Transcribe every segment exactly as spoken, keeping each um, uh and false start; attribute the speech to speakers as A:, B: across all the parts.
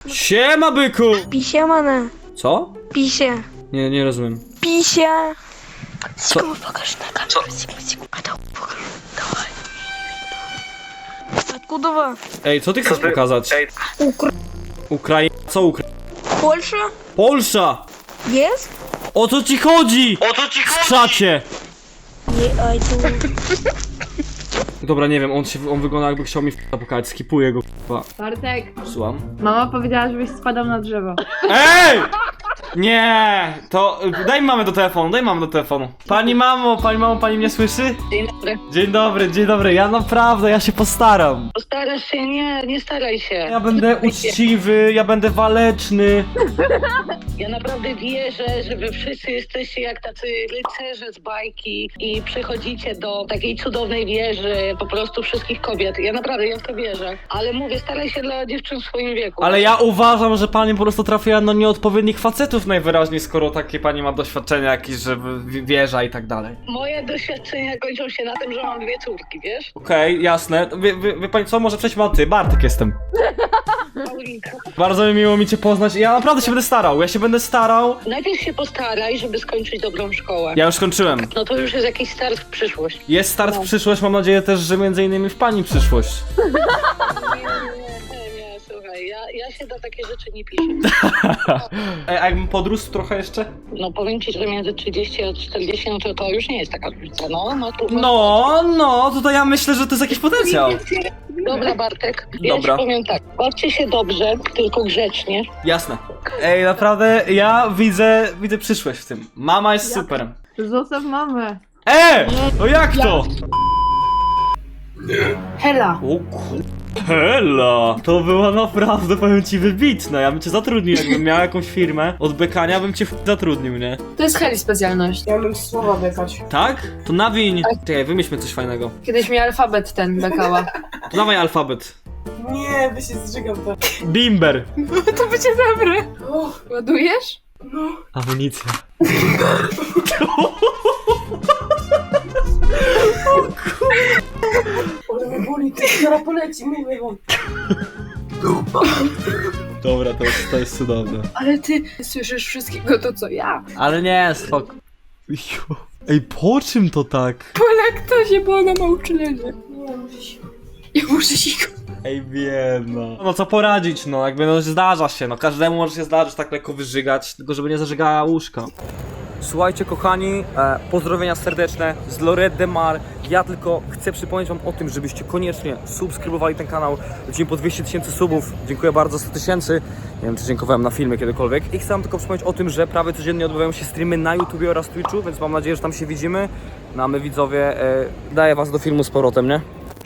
A: Siema, byku!
B: Pisie, mane.
A: Co?
B: Pisie.
A: Nie, nie rozumiem.
B: Pisie.
A: Co?
B: Sigma, pokaż na kamerę. Sigma, Sigma. A to pokaż. Dawaj. Откуда вы?
A: Ej, co ty chcesz pokazać?
B: Ukra...
A: Ukraina? Co Ukraina?
B: Польша?
A: Polsza!
B: Есть?
A: O co ci chodzi?
C: O co ci
A: W
C: chodzi?
A: czacie!
B: Не, а это...
A: Dobra, nie wiem, on się, on wygląda jakby chciał mi f***a pokazać, skipuję go k***a.
D: Bartek,
A: Słucham?
D: mama powiedziała, żebyś spadał na drzewo.
A: Ej! Nie! To daj mamę do telefonu, daj mamę do telefonu. Pani mamo, pani mamo, pani mnie słyszy?
E: Dzień dobry.
A: Dzień dobry, dzień dobry, ja naprawdę, ja się postaram.
E: Postarasz się? Nie, nie staraj się.
A: Ja będę uczciwy, ja będę waleczny.
E: Ja naprawdę wierzę, że wy wszyscy jesteście jak tacy rycerze z bajki i przychodzicie do takiej cudownej wieży po prostu wszystkich kobiet. Ja naprawdę, ja w to wierzę. Ale mówię, staraj się dla dziewczyn w swoim wieku.
A: Ale ja uważam, że pani po prostu trafiła na nieodpowiednich facetów najwyraźniej, skoro takie pani ma doświadczenia jakieś, że w- wieża i tak dalej.
E: Moje doświadczenia kończą się na tym, że mam dwie córki, wiesz?
A: Okej, jasne. Wie, wie, wie pani co, może przejdźmy na ty, Bartek jestem.
E: Paulinka.
A: Bardzo mi miło mi cię poznać, ja naprawdę się będę starał, ja się będę starał.
E: Najpierw się postaraj, żeby skończyć dobrą szkołę.
A: Ja już skończyłem.
E: No to już jest jakiś start w przyszłość.
A: Jest start w przyszłość, mam nadzieję też, że między innymi w pani przyszłość.
E: Nie, nie, nie, nie, słuchaj, ja, ja się na takie rzeczy nie piszę.
A: Ej, a jakbym podrósł trochę jeszcze?
E: No powiem ci, że między trzydzieści a czterdzieści, no to, to już nie jest taka różnica, no. no, tu,
A: No, no, tutaj ja myślę, że to jest jakiś potencjał.
E: Dobra, Bartek, ja
A: Dobra.
E: ci powiem tak, bawcie się dobrze, tylko grzecznie.
A: Jasne. Ej, naprawdę, ja widzę, widzę przyszłość w tym. Mama jest super.
D: Zostaw mamę.
A: E! No jak to?
D: Hela.
A: O kur... Hela! To była naprawdę, powiem ci, wybitna. Ja bym cię zatrudnił, jakbym miał jakąś firmę od bekania, bym cię f- zatrudnił, nie?
F: To jest Heli specjalność. Ja umiem słowa bekać.
A: Tak? To nawiń. Czekaj, wymyślmy coś fajnego.
F: Kiedyś mi alfabet ten bekała.
A: To dawaj alfabet.
F: Nie, by się zżygam to.
A: Bimber.
F: To będzie dobre. O, ładujesz? No.
A: Amunicja.
F: Ale mnie boli, ty zaraz poleci, mówię wam.
A: Dobra, to jest, to jest cudowne.
F: Ale ty słyszysz wszystkiego to co ja.
A: Ale nie, spoko. Jo. Ej, po czym to tak?
F: Po laktozie, bo ona ma uczulenie. Nie, muszę się... Ja muszę się...
A: Ej, wiem, no. No co poradzić, no, jakby no zdarza się, no każdemu może się zdarzyć tak lekko wyżygać, tylko żeby nie zażygała łóżka. Słuchajcie kochani, e, pozdrowienia serdeczne z Lorette de Mar. Ja tylko chcę przypomnieć wam o tym, żebyście koniecznie subskrybowali ten kanał. Lecimy po dwieście tysięcy subów. Dziękuję bardzo za sto tysięcy. Nie wiem, czy dziękowałem na filmie kiedykolwiek. I chcę wam tylko przypomnieć o tym, że prawie codziennie odbywają się streamy na YouTubie oraz Twitchu, więc mam nadzieję, że tam się widzimy. No a my widzowie, e, daję was do filmu z powrotem, nie?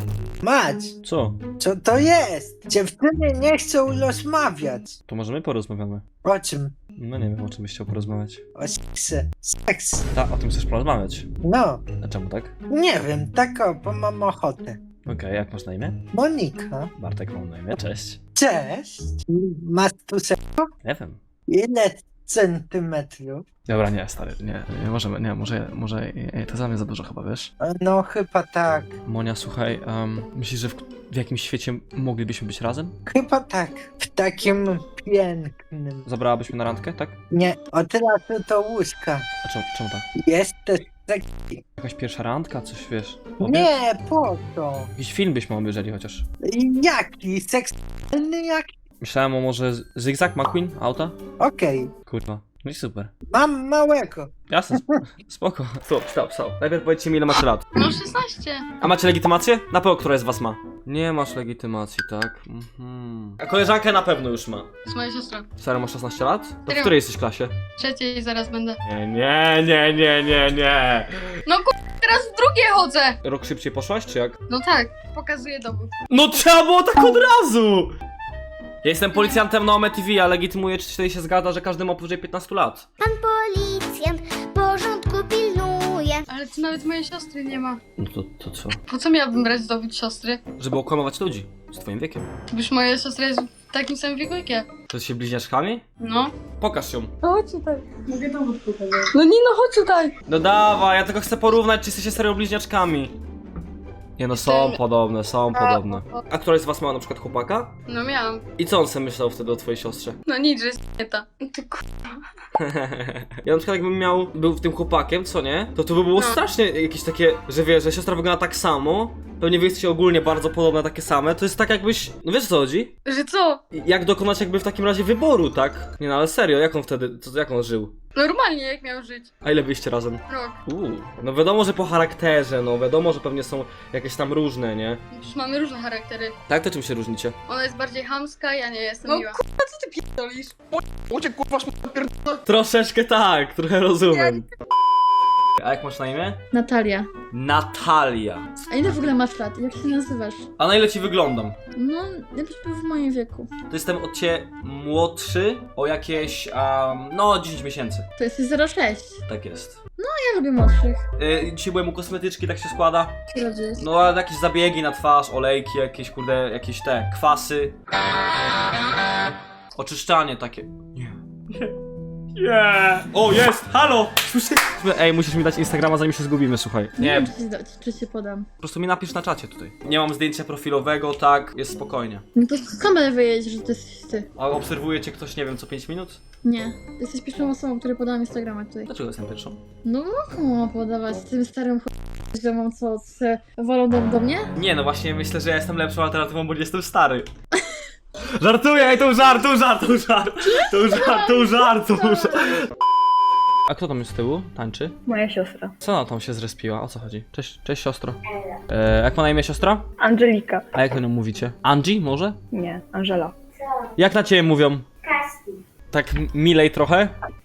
G: Mać,
A: Co?
G: co to jest? Dziewczyny nie chcą rozmawiać.
A: To może my porozmawiamy.
G: O czym?
A: No nie wiem, o czym byś chciał porozmawiać.
G: O seksie. Seks.
A: Tak, o tym chcesz porozmawiać.
G: No,
A: A czemu tak?
G: nie wiem, tak o, bo mam ochotę.
A: Okej, jak masz na imię?
G: Monika.
A: Bartek mam na imię, cześć.
G: Cześć. Masz tu se...
A: Nie wiem.
G: Ile centymetrów?
A: Dobra, nie, stary, nie, nie możemy, nie, może, może, nie, to za mnie za dużo chyba, wiesz?
G: No chyba tak.
A: Monia, słuchaj, um, myślisz, że w, w jakimś świecie moglibyśmy być razem?
G: Chyba tak. W takim pięknym.
A: Zabrałabyś mnie na randkę, tak?
G: Nie, od razu do łóżka.
A: A czemu, czemu tak?
G: Jesteś tak...
A: Jakaś pierwsza randka, coś wiesz?
G: Nie, po co?
A: Jakiś film byśmy obejrzeli chociaż.
G: Jaki? Seksualny jaki?
A: Myślałem o może z- Zigzag McQueen, auta?
G: Okej.
A: Kurwa, no i super.
G: Mam małego.
A: Jasne, sp- spoko. Stop, stop, stop. Najpierw powiedzcie mi, ile macie lat.
H: No szesnaście.
A: A macie legitymację? Na pewno która z was ma? Nie masz legitymacji, tak? Mhm. A koleżankę na pewno już ma.
H: To jest moja siostra.
A: Serio, masz szesnaście lat? To w
H: Serio.
A: której jesteś klasie?
H: Trzeciej zaraz będę.
A: Nie, nie, nie, nie, nie, nie.
H: No ku... teraz w drugie chodzę!
A: Rok szybciej poszłaś, czy jak?
H: No tak, pokazuję dowód.
A: No trzeba było tak od razu! Ja jestem policjantem na Ome T V, a legitymuję, czy tutaj się zgadza, że każdy ma powyżej piętnastu lat.
I: Pan policjant porządku pilnuje.
H: Ale tu nawet mojej siostry nie ma.
A: No to, to co?
H: Po co miałabym brać dowód siostry?
A: Żeby okłamywać ludzi z twoim wiekiem.
H: Gdyż moja siostra jest w takim samym wieku jak ja.
A: To się bliźniaczkami?
H: No.
A: Pokaż ją.
H: No chodź tutaj. Mogę dowód pokazać. No nie no, chodź tutaj.
A: No dawaj, ja tylko chcę porównać, czy jesteście serio bliźniaczkami. Nie no, są podobne, są podobne. A któraś z was ma na przykład chłopaka?
H: No miałam.
A: I co on sobie myślał wtedy o twojej siostrze?
H: No nic, że jest nie ta. Ty ku...
A: Ja na przykład jakbym miał, był tym chłopakiem, co nie? To to by było
H: No.
A: strasznie jakieś takie, że wiesz, że siostra wygląda tak samo. Pewnie wy jesteście ogólnie bardzo podobne, takie same. To jest tak jakbyś, no wiesz o co chodzi?
H: Że co?
A: Jak dokonać jakby w takim razie wyboru, tak? Nie no, ale serio, jak on wtedy, co, jak on żył?
H: Normalnie jak miał żyć.
A: A ile byliście razem?
H: Rok.
A: Uuu, no wiadomo, że po charakterze, no wiadomo, że pewnie są jakieś tam różne, nie?
H: Przecież mamy różne charaktery.
A: Tak, to czym się różnicie?
H: Ona jest bardziej chamska, ja nie jestem
F: No
H: miła.
F: Co ty pierdolisz?
C: Uciek kurwa szm***a.
A: Troszeczkę tak, trochę rozumiem. A jak masz na imię?
F: Natalia.
A: Natalia.
F: A ile w ogóle masz lat? Jak się nazywasz?
A: A na ile ci wyglądam?
F: No, jakbyś był w moim wieku.
A: To jestem od ciebie młodszy o jakieś, um, no dziesięć miesięcy.
F: To jesteś zero sześć.
A: Tak jest.
F: Ja lubię młodszych.
A: Yy, dzisiaj byłem u kosmetyczki, tak się składa.
F: Ile to jest?
A: No ale jakieś zabiegi na twarz, olejki, jakieś kurde, jakieś te, kwasy. Oczyszczanie takie. Nie. Nie. O, jest! Halo! Słyszy? Ej, musisz mi dać Instagrama, zanim się zgubimy, słuchaj.
F: Nie
A: Nie,
F: wiem, czy ci, dać, czy ci podam.
A: po prostu mi napisz na czacie tutaj. Nie mam zdjęcia profilowego, tak, jest spokojnie.
F: No to z kamery wyjedź, że to jesteś ty.
A: A obserwuje cię ktoś, nie wiem, co pięć minut?
F: Nie. Jesteś pierwszą osobą, której podałam Instagrama tutaj.
A: Dlaczego jestem pierwszą?
F: No komu mam podawać? Z tym starym ch... ziomom, co se wolą do, do mnie?
A: Nie, no właśnie myślę, że ja jestem lepszą alternatywą, bo nie jestem stary. Żartuję, ej, to żart, to żart, to żart, to żart, to żart, to żart. A kto tam jest z tyłu? Tańczy?
D: Moja siostra.
A: Co ona tam się zrespiła? O co chodzi? Cześć, cześć siostro. E, jak ma na imię siostra?
D: Angelika.
A: A jak o nią mówicie? Angie może?
D: Nie, Angela.
A: Jak na ciebie mówią? Tak m- milej trochę?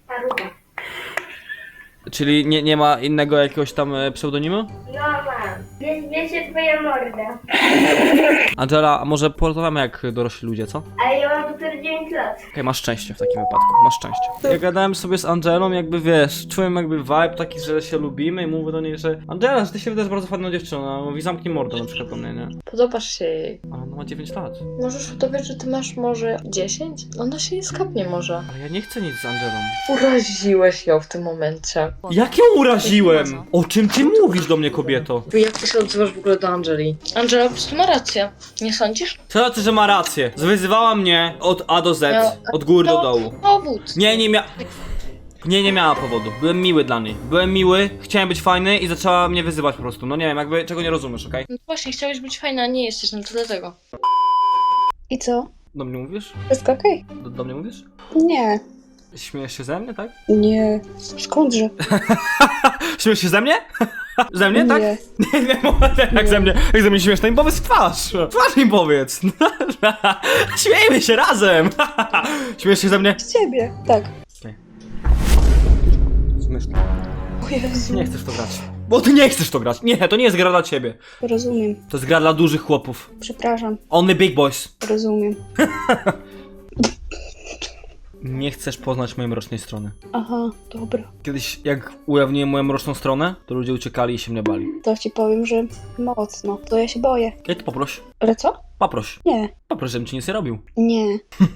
A: Czyli nie, nie ma innego jakiegoś tam e, pseudonimu?
I: No mam. Wie, wiecie twoja morda.
A: Angela, a może porozmawiamy jak dorośli ludzie, co?
I: Ale ja mam dopiero dziewięć lat.
A: Okej, masz szczęście w takim wypadku, masz szczęście. Ja gadałem sobie z Angelą, jakby wiesz, czułem jakby vibe taki, że się lubimy i mówię do niej, że Angela, że ty się wydajesz bardzo fajną dziewczyną, a mówi zamknij mordę na przykład do mnie, nie?
J: Podobasz się jej.
A: Ale ona ma dziewięć lat.
J: Możesz udawać, że ty masz może dziesięć? Ona się nie skapnie może.
A: Ale ja nie chcę nic z Angelą.
J: Uraziłeś ją w tym momencie.
A: Jak ją uraziłem? O czym ty mówisz do mnie, kobieto?
J: Jak ty się odzywasz w ogóle do Angeli? Angela po prostu ma rację. Nie sądzisz?
A: Co znaczy, że ma rację? Wyzywała mnie od A do Z, od góry do dołu.
J: Powód.
A: Nie, nie mia... Nie, nie miała powodu. Byłem miły dla niej. Byłem miły, chciałem być fajny i zaczęła mnie wyzywać po prostu. No nie wiem, jakby czego nie rozumiesz, okej?
J: No właśnie, chciałeś być fajna, a nie jesteś, no to dlatego.
K: I co?
A: Do mnie mówisz?
K: Wszystko okej?
A: Do, do mnie mówisz?
K: Nie,
A: Śmiejesz się ze mnie, tak?
K: nie. Skądże?
A: Śmiejesz się ze mnie? Ze mnie, tak?
K: Nie.
A: Nie, nie, nie, jak ze mnie, jak ze mnie śmiesz, to im powiedz w twarz. W twarz im powiedz. Śmiejmy się razem. Śmiejesz się ze mnie?
K: Z ciebie. Tak.
A: Śmieszne.
K: O Jezu.
A: Nie chcesz to grać. Bo ty nie chcesz to grać. Nie, to nie jest gra dla ciebie.
K: Rozumiem.
A: To jest gra dla dużych chłopów.
K: Przepraszam.
A: Only big boys.
K: Rozumiem.
A: Nie chcesz poznać mojej mrocznej strony.
K: Aha, dobra.
A: Kiedyś jak ujawniłem moją mroczną stronę, to ludzie uciekali i się mnie bali.
K: To ci powiem, że mocno. To ja się boję.
A: Ja to poproś.
K: Ale co?
A: Poproś.
K: Nie.
A: Poproś, żebym ci nic nie robił.
K: Nie.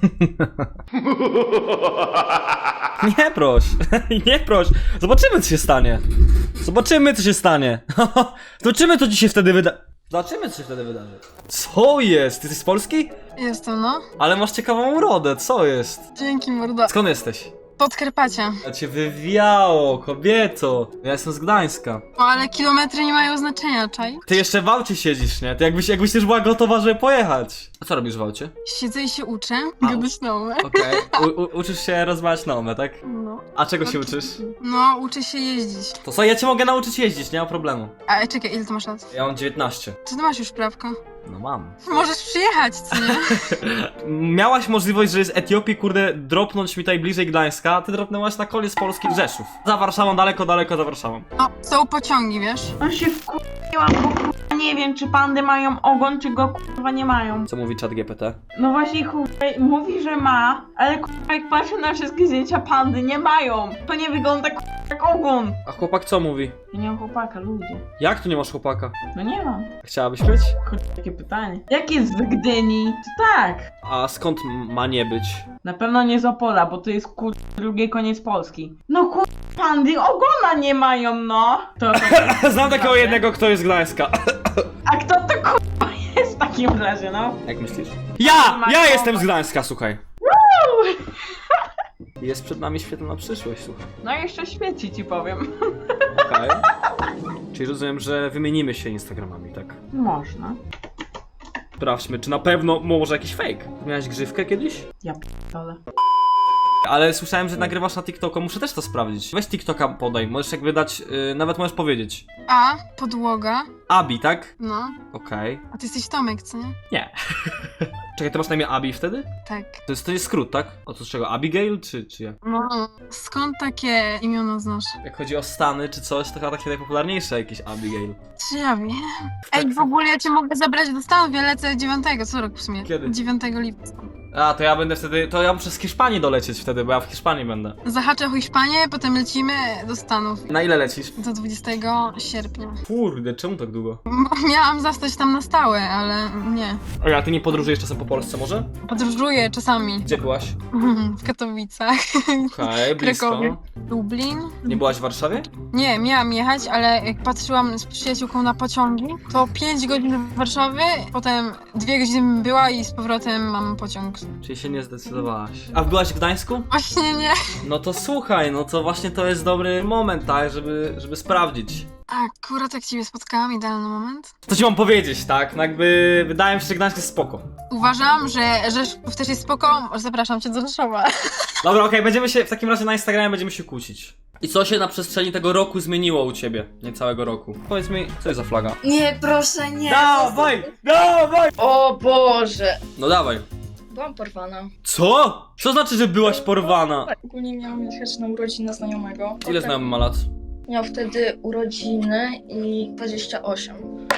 A: Nie proś. Nie proś. Zobaczymy, co się stanie. Zobaczymy, co się stanie. Zobaczymy, co ci się wtedy wyda... Zobaczymy, co się wtedy wydarzy. Co jest? Ty jesteś z Polski?
H: Jestem, no.
A: Ale masz ciekawą urodę, co jest?
H: Dzięki, morda.
A: Skąd jesteś?
H: Podkarpacia.
A: A cię wywiało, kobieto. Ja jestem z Gdańska.
H: O, ale kilometry nie mają znaczenia, czaj?
A: Ty jeszcze w aucie siedzisz, nie? Ty jakbyś, jakbyś już była gotowa, żeby pojechać. A co robisz w aucie?
H: Siedzę i się uczę.
A: A.
H: Gadać nowe.
A: Okej. U- u- uczysz się rozmawiać na omę, tak?
H: No.
A: A czego się uczysz?
H: No, uczę się jeździć.
A: To co, ja cię mogę nauczyć jeździć, nie ma problemu.
H: A czekaj, ile ty masz lat?
A: Ja mam dziewiętnaście.
H: Czy ty masz już prawko?
A: No mam.
H: Możesz przyjechać, co nie?
A: Miałaś możliwość, że z Etiopii, kurde, dropnąć mi tutaj bliżej Gdańska, a ty dropnęłaś na koniec Polski Rzeszów. Za Warszawą, daleko, daleko za Warszawą.
H: O, są pociągi, wiesz?
L: On się wkurzyłam, bo kurwa nie wiem, czy pandy mają ogon, czy go kurwa nie mają.
A: Co mówi czat G P T?
L: No właśnie kurwa mówi, że ma, ale kurwa jak patrzę na wszystkie zdjęcia, pandy nie mają. To nie wygląda kurwa jak ogon.
A: A chłopak co mówi?
L: Ja nie mam chłopaka, ludzie.
A: Jak tu nie masz chłopaka?
L: No nie mam.
A: Chciałabyś być?
L: Kurwa, takie pytanie. Jak jest w Gdyni? To tak.
A: A skąd m- ma nie być?
L: Na pewno nie z Opola, bo to jest kurwa drugi koniec Polski. No kurwa, pandy ogona nie mają, no. To, to
A: Znam takiego jednego, kto jest z Gdańska.
L: A kto takim razie, no.
A: Jak myślisz? Ja! Ja jestem z Gdańska, słuchaj. Jest przed nami świetlna przyszłość, słuchaj.
L: No jeszcze świeci ci powiem.
A: Okej. Czyli rozumiem, że wymienimy się Instagramami, tak?
L: Można.
A: Sprawdźmy, czy na pewno może jakiś fake. Miałeś grzywkę kiedyś?
L: Ja p***dolę.
A: Ale słyszałem, że nagrywasz na TikToku, muszę też to sprawdzić. Weź TikToka podaj, możesz jakby dać, yy, nawet możesz powiedzieć.
H: A, podłoga.
A: Abi, tak?
H: No.
A: Okej.
H: A ty jesteś Tomek, co nie?
A: Nie. Czekaj, ty masz na imię Abi wtedy?
H: Tak.
A: To jest, to jest skrót, tak? O to z czego? Abigail, czy, czy jak?
H: No. Skąd takie imiona znasz?
A: Jak chodzi o Stany czy coś, to chyba takie najpopularniejsze jakieś Abigail.
H: Czy ja wiem? Ej, w ogóle ja cię mogę zabrać do Stanów, ja lecę dziewiątego, co rok w sumie?
A: Kiedy?
H: dziewiątego lipca.
A: A, to ja będę wtedy, to ja muszę z Hiszpanii dolecieć wtedy, bo ja w Hiszpanii będę.
H: Zahaczę o Hiszpanię, potem lecimy do Stanów.
A: Na ile lecisz?
H: Do dwudziestego sierpnia.
A: Kurde, czemu tak długo?
H: Bo miałam zostać tam na stałe, ale nie.
A: Oj, a ty nie podróżujesz czasem po Polsce może?
H: Podróżuję czasami.
A: Gdzie byłaś?
H: W Katowicach.
A: Okej, blisko.
H: Krakowie. Lublin.
A: Nie byłaś w Warszawie?
H: Nie, miałam jechać, ale jak patrzyłam z przyjaciółką na pociągi, to pięć godzin w Warszawie, potem dwie godziny bym była i z powrotem mam pociąg.
A: Czyli się nie zdecydowałaś. A byłaś w Gdańsku?
H: Właśnie nie.
A: No to słuchaj, no to właśnie to jest dobry moment, tak, żeby, żeby sprawdzić.
H: Akurat jak ciebie spotkałam, idealny moment.
A: Co ci mam powiedzieć, tak? No jakby wydaje mi się, że Gdańsk jest spoko.
H: Uważam, że Rzeszów też jest spoko. Zapraszam cię do Rzeszowa.
A: Dobra, okej, będziemy się, w takim razie na Instagramie będziemy się kłócić. I co się na przestrzeni tego roku zmieniło u ciebie? Nie całego roku. Powiedz mi, co jest za flaga?
K: Nie, proszę, nie.
A: Dawaj! Dawaj!
J: O Boże!
A: No dawaj.
J: Byłam porwana.
A: Co? Co znaczy, że byłaś porwana?
K: Ogólnie miałam jechać na urodziny znajomego.
A: Ile znajomy ma lat?
K: Miał wtedy urodziny i dwadzieścia osiem.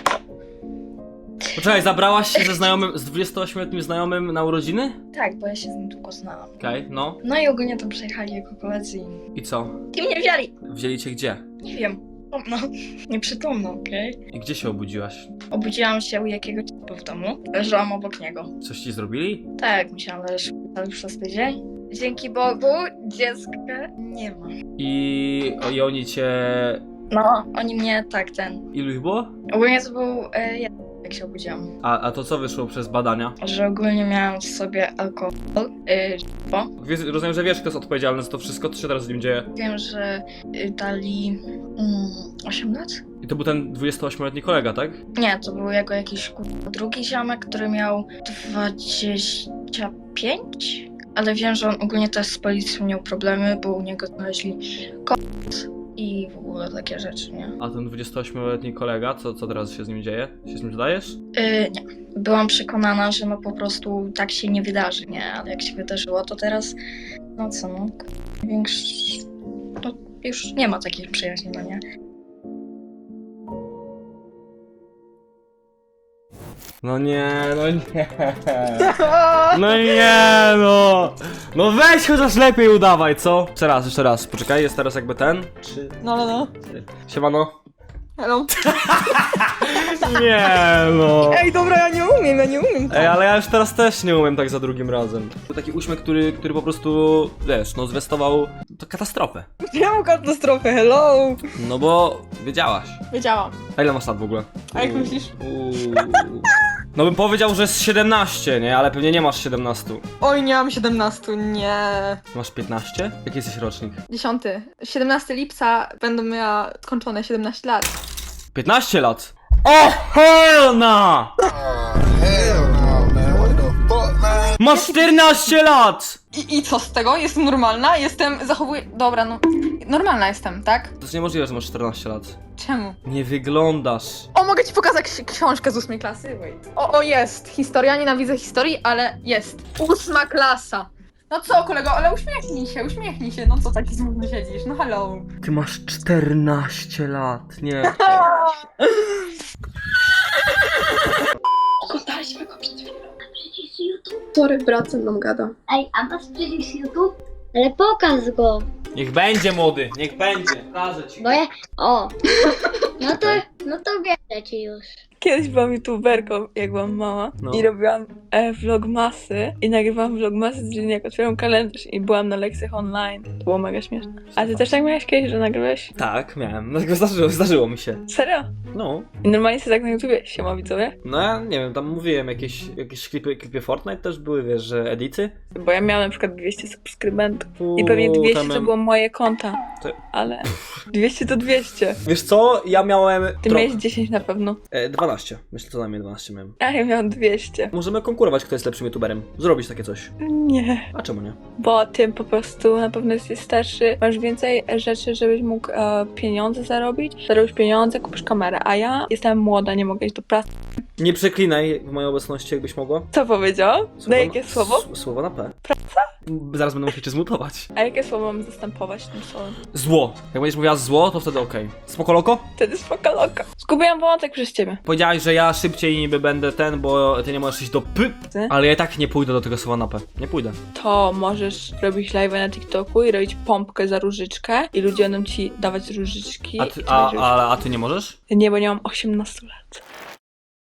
A: Poczekaj, zabrałaś się ze znajomym, z dwudziestoośmioletnim znajomym na urodziny?
K: Tak, bo ja się z nim długo znałam.
A: Okej, no.
K: No i ogólnie tam przyjechali jego koledzy i...
A: I co?
K: I mnie wzięli!
A: Wzięli cię gdzie?
K: Nie wiem. No, nieprzytomna, okej?
A: I gdzie się obudziłaś?
K: Obudziłam się u jakiegoś typu w domu. Leżałam obok niego.
A: Coś ci zrobili?
K: Tak, musiałam leżeć już przez tydzień. Dzięki Bogu dziecka nie ma.
A: I, i oni cię...
K: No, oni mnie tak, ten...
A: Ilu ich było?
K: Ogólnie to był e, ja, jak się obudziłam.
A: A, a to co wyszło przez badania?
K: Że ogólnie miałam w sobie alkohol, y, bo
A: Wiesz, rozumiem, że wiesz, kto jest odpowiedzialny za to wszystko, co się teraz z nim dzieje.
K: wiem, że y, dali mm, osiem lat?
A: I to był ten dwudziestoośmioletni kolega, tak?
K: Nie, to był jego jakiś kurwa, drugi ziomek, który miał dwadzieścia pięć, ale wiem, że on ogólnie też z policją miał problemy, bo u niego znaleźli kot i w ogóle takie rzeczy, nie?
A: A ten dwudziestoośmioletni kolega, co, co teraz się z nim dzieje? Się z nim dodajesz?
K: Yy, nie. Byłam przekonana, że no po prostu tak się nie wydarzy, nie? Ale jak się wydarzyło, to teraz, no co, no, większy... No, już nie ma takich przyjaźni, no nie?
A: No nie, no nie. No nie, no. No weź chociaż lepiej udawaj, co? Jeszcze raz, jeszcze raz. Poczekaj, jest teraz jakby ten. Trzy.
F: No, no, no.
A: Siemano.
F: Hello.
A: Nie, no.
F: Ej, dobra, ja nie umiem, ja nie umiem.
A: Ej, ale ja już teraz też nie umiem tak za drugim razem. Był taki uśmiech, który, który po prostu, wiesz, no zwiastował to katastrofę.
F: Miałam katastrofę, hello.
A: No bo wiedziałaś.
F: Wiedziałam.
A: A ile masz lat w ogóle?
F: A jak myślisz?
A: Uuu. No bym powiedział, że z siedemnaście, nie? Ale pewnie nie masz siedemnaście.
F: Oj, nie mam siedemnastu, nie.
A: Masz piętnaście? Jaki jesteś rocznik?
F: Dziesiąty. siedemnastego lipca będę miała skończone siedemnaście lat.
A: piętnaście lat. O helna! Masz czternaście lat!
F: I, I co z tego? Jestem normalna? Jestem, zachowuję... Dobra, no... Normalna jestem, tak?
A: To jest niemożliwe, że masz czternaście lat.
F: Czemu?
A: Nie wyglądasz.
F: O, mogę ci pokazać ksi- książkę z ósmej klasy? Wait. O, o, jest. Historia, nienawidzę historii, ale jest. Ósma klasa. No co, kolego, ale uśmiechnij się, uśmiechnij się. No co taki smutny siedzisz? No hello.
A: Ty masz czternaście lat, nie.
K: Oglądaliśmy go przed chwilą.
I: Przecież YouTube.
K: Sorry, brat ze mną gada.
I: Ej, a masz przecież YouTube? Ale pokaż go.
A: Niech będzie młody, niech będzie. Pokażę ci.
I: Bo ja... O. No to, no to wierzę ci już.
D: Kiedyś byłam youtuberką, jak byłam mała
A: No.
D: i robiłam e, vlogmasy i nagrywałam vlogmasy z dzień, jak otwieram kalendarz i byłam na lekcjach online. To było mega śmieszne. A ty też tak miałeś kiedyś, że nagrywałeś?
A: Tak, miałem. No, tylko zdarzyło, zdarzyło mi się.
D: Serio?
A: No.
D: I normalnie sobie tak na YouTubie siema widzowie?
A: No ja nie wiem, tam mówiłem, jakieś, jakieś klipy, klipy Fortnite też były, wiesz, że edity.
D: Bo ja miałam na przykład dwieście subskrybentów i
A: Uuu,
D: pewnie dwieście
A: tam
D: to
A: miałem-
D: było moje konta,
A: To-
D: ale dwieście to dwieście.
A: Wiesz co, ja miałem...
D: Ty
A: tro-
D: miałeś dziesięć na pewno.
A: e, dwanaście. Myślę, co najmniej dwanaście miałem.
D: A ja miałam dwieście.
A: Możemy konkurować, kto jest lepszym youtuberem. Zrobić takie coś.
D: Nie.
A: A czemu nie?
D: Bo ty po prostu na pewno jesteś starszy, masz więcej rzeczy, żebyś mógł e, pieniądze zarobić. Zarobisz pieniądze, kupisz kamerę, a ja jestem młoda, nie mogę iść do pracy.
A: Nie przeklinaj w mojej obecności, jakbyś mogła.
D: Co powiedział? Na jakie
A: na-
D: słowo?
A: s- Słowo na P.
D: Praca?
A: Zaraz będę musiał cię zmutować.
D: A jakie słowo mam zastępować tym słowem?
A: Zło. Jak będziesz mówiła zło, to wtedy okej. Spoko loko?
D: Wtedy spoko loko. Zgubiłam wątek przez ciebie.
A: Powiedziałaś, że ja szybciej niby będę ten, bo ty nie możesz iść do P.
D: Ty?
A: Ale ja i tak nie pójdę do tego słowa na P. Nie pójdę.
D: To możesz robić live na TikToku i robić pompkę za różyczkę i ludzie będą ci dawać różyczki.
A: A
D: i
A: ty,
D: ty
A: a,
D: będziesz-
A: a, a ty nie możesz?
D: Nie, bo nie mam osiemnastu lat.